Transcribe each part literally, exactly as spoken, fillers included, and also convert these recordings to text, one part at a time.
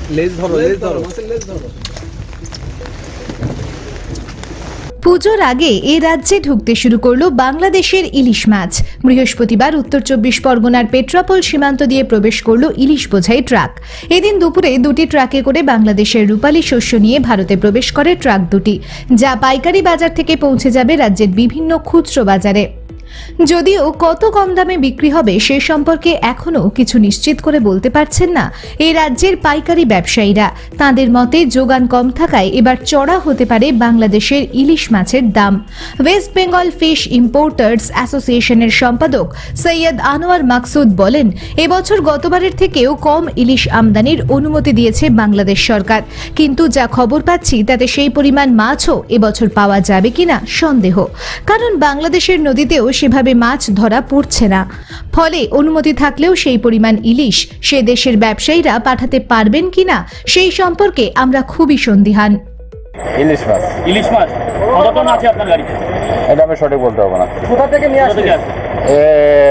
লেজ ধরো, লেজ ধরো, লেজ ধরো। পুজোর আগে এ রাজ্যে ঢুকতে শুরু করলো বাংলাদেশের ইলিশ মাছ। বৃহস্পতিবার উত্তর চব্বিশ পরগনার পেট্রাপোল সীমান্ত দিয়ে প্রবেশ করলো ইলিশ বোঝাই ট্রাক। এদিন দুপুরে দুটি ট্রাকে করে বাংলাদেশের রূপালী শস্য নিয়ে ভারতে প্রবেশ করে ট্রাক দুটি, যা পাইকারি বাজার থেকে পৌঁছে যাবে রাজ্যের বিভিন্ন খুচরো বাজারে। যদিও কত কম দামে বিক্রি হবে সে সম্পর্কে এখনো কিছু নিশ্চিত করে বলতে পারছেন না এই রাজ্যের পাইকারি ব্যবসায়ীরা। তাদের মতে যোগান কম থাকায় এবার চড়া হতে পারে বাংলাদেশের ইলিশ মাছের দাম। ওয়েস্ট বেঙ্গল ফিশ ইম্পোর্টার্স অ্যাসোসিয়েশনের সম্পাদক সৈয়দ আনোয়ার মাকসুদ বলেন, এবছর গতবারের থেকেও কম ইলিশ আমদানির অনুমতি দিয়েছে বাংলাদেশ সরকার, কিন্তু যা খবর পাচ্ছি তাতে সেই পরিমাণ মাছও এবছর পাওয়া যাবে কিনা সন্দেহ। কারণ বাংলাদেশের নদীতেও সেভাবে মাছ ধরা পড়ছে না। ফলে অনুমতি থাকলেও সেই পরিমাণ ইলিশ সে দেশের ব্যবসায়ীরা পাঠাতে পারবেন কিনা সেই সম্পর্কে আমরা খুবই সন্দিহান। ইলিশ মাছ ইলিশ মাছ কত টন আছে আপনার গাড়িতে? এটা আমি সঠিক বলতে পারবো না। কোথা থেকে নিয়ে আসবে? এ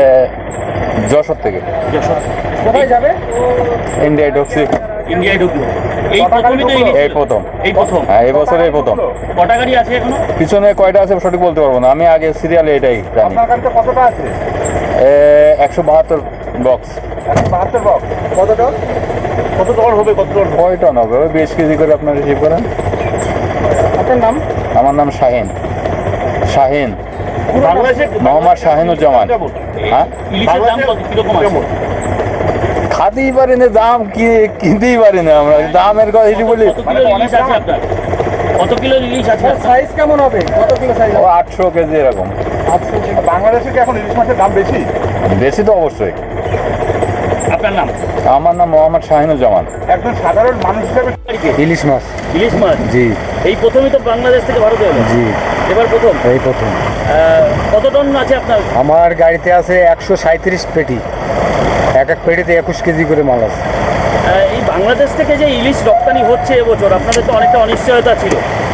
যশোর থেকে। যশোর কোথায় যাবে? ইন্ডিয়ায় ঢুকছি। ইন্ডিয়ায় ঢুকলো এই প্রথমই তো ইলিশ? এই প্রথম। এই প্রথম? হ্যাঁ, এই বছর এই প্রথম। কটা গাড়ি আছে এখনো? পিছনে কয়টা আছে সঠিক বলতে পারবো না, আমি আগে সিরিয়ালে এটাই জানি। আপনার গাড়িতে কতটা আছে? একশো বাহাত্তর বক্স। বাহাত্তর বক্স। কত টন? কত টন হবে? কত টন? কয় টন হবে? ওই বিশ কেজি করে আপনার রিসিভ করেন। আপনার নাম? আমার নাম শাহিন। শাহিন বাংলাদেশের মোহাম্মদ শাহিনুজ্জামান। হ্যাঁ, ইলিশের দাম কত কিরকম আছে? খাতেই পারি না, দাম কি কিনতেই পারি না আমরা, দামের কথা এটি বলি। কত কিলো ইলিশ আছে আপনার? কত কিলো ইলিশ আছে? সাইজ কেমন হবে? কত কিলো সাইজ? ও আটশো কেজি এরকম। বাংলাদেশে কি এখন ইলিশ মাছের দাম বেশি? বেশি তো অবশ্যই। আপনার নাম? আমার নাম মোহাম্মদ শাহিনুজ্জামান। একজন সাধারণ মানুষ হিসেবে ইলিশ মাছ। ইলিশ মাছ জি। এই প্রথমই তো বাংলাদেশ থেকে ভারতে এলো? জি, এবার প্রথম? এই প্রথম। কত টন আছে আপনার? আমার গাড়িতে আছে একশো সাঁত্রিশ পেটি, এক এক পেটিতে একুশ কেজি করে মাল আছে। এই বাংলাদেশ থেকে যে ইলিশ রপ্তানি হচ্ছে এবছর, আপনাদের তো অনেকটা অনিশ্চয়তা ছিল।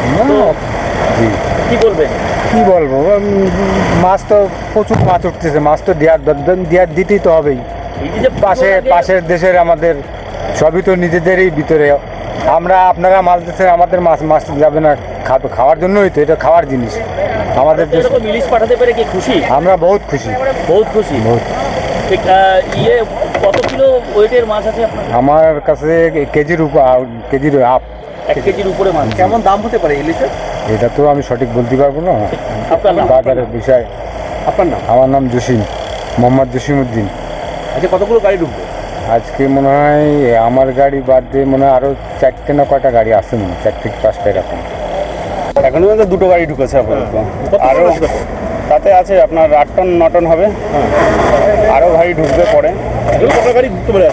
জি, কি বলবেন? কি বলবো, উম, মাছ তো প্রচুর মাছ উঠতেছে, মাছ তো দেওয়ার দেওয়ার দিতেই তো হবেই। এই যে পাশে পাশের দেশের আমাদের সবই তো নিজেদেরই ভিতরে, আমরা আপনারা মাছ দিচ্ছেন, আমাদের মাছ মাছ যাবে না খাবে, খাওয়ার জন্যই তো, এটা খাওয়ার জিনিস আমাদের দেশে। এরকম ইলিশ পাঠাতে পেরে কি খুশি? আমরা বহুত খুশি, বহুত খুশি। বহুত। ঠিক, আহ, ইয়ে কত কিলো ওয়েটের মাছ আছে আপনার? আমার কাছে কেজির উপর, কেজির আপ এক কেজির উপরে মাছ। কেমন দাম হতে পারে ইলিশের? এটা তো আমি সঠিক বলতে পারবো না, আপনার নাম? বাজারের বিষয়। আপনার নাম? আমার নাম জসিম, মোহাম্মদ জসিম উদ্দিন। আচ্ছা, কতগুলো গাড়ি ঢুকবে আজকে? মনে হয় আমার গাড়ি বাদ দিয়ে মনে হয় আরও চারটে না কয়টা গাড়ি আছে, মনে হয় চারটে কি পাঁচটা এরকম। এখনো পর্যন্ত দুটো গাড়ি ঢুকেছে আপাতত। আরও তাতে আছে আপনার আট টন ন টন হবে, আরও গাড়ি ঢুকবে পরে। কত গাড়ি ঢুকতে পারে?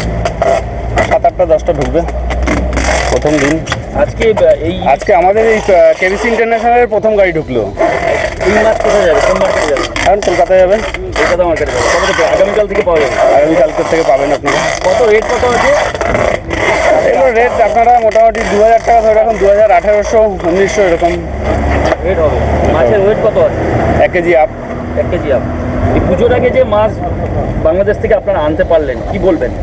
সাত আটটা দশটা ঢুকবে প্রথম দিন। আজকে এই আজকে আমাদের এই কেবিসি ইন্টারন্যাশনালের প্রথম গাড়ি ঢুকলো। এই মাছ কোথায় যাবে? কোন মার্কেটে যাবে? এখন কলকাতায় যাবে, কলকাতা মার্কেটে যাবে। কত থেকে? আগামীকাল থেকে পাওয়া যাবে? আগামীকালকের থেকে পাবেন আপনারা। কত রেট কত আছে? এগুলো রেট আপনারা মোটামুটি দু হাজার টাকা ধরে রাখুন, দু হাজার আঠেরোশো উনিশশো এরকম রেট হবে। মাছের ওয়েট কত আছে? এক কেজি আপ। এক কেজি আপ। এই পুজোর আগে যে মাছ বাংলাদেশ থেকে আপনারা আনতে পারলেন, কি বলবেন?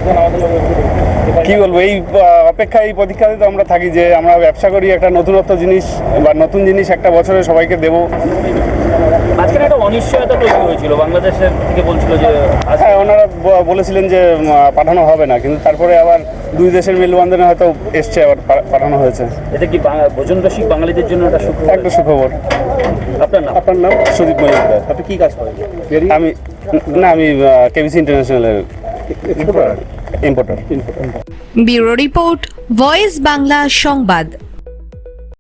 কি বলবো, এই আহ, অপেক্ষা, এই প্রতীক্ষাতে তো আমরা থাকি যে আমরা ব্যবসা করি, একটা নতুনত্ব জিনিস বা নতুন জিনিস একটা বছরে সবাইকে দেবো। আজকে একটা অনিশ্চয়তা তৈরি হয়েছিল, বাংলাদেশের থেকে বলছিল যে আজ- হ্যাঁ, ওনারা ব- বলেছিলেন যে উম, পাঠানো হবে না, কিন্তু তারপরে আবার দুই দেশের মেলবন্ধনে হয়তো এসছে, আবার পা- পাঠানো হয়েছে। এটা কি বাঙা- ভোজন রসিক বাঙালিদের জন্য একটা সুখ? একটা সুখবর। আপনার নাম? আপনার নাম? সুদীপ মজুমদার। আপনি কি কাজ করেন? আমি না, আমি কেবিসি ইন্টারন্যাশনালের importer. Bureau report, voice Bangla সংবাদ।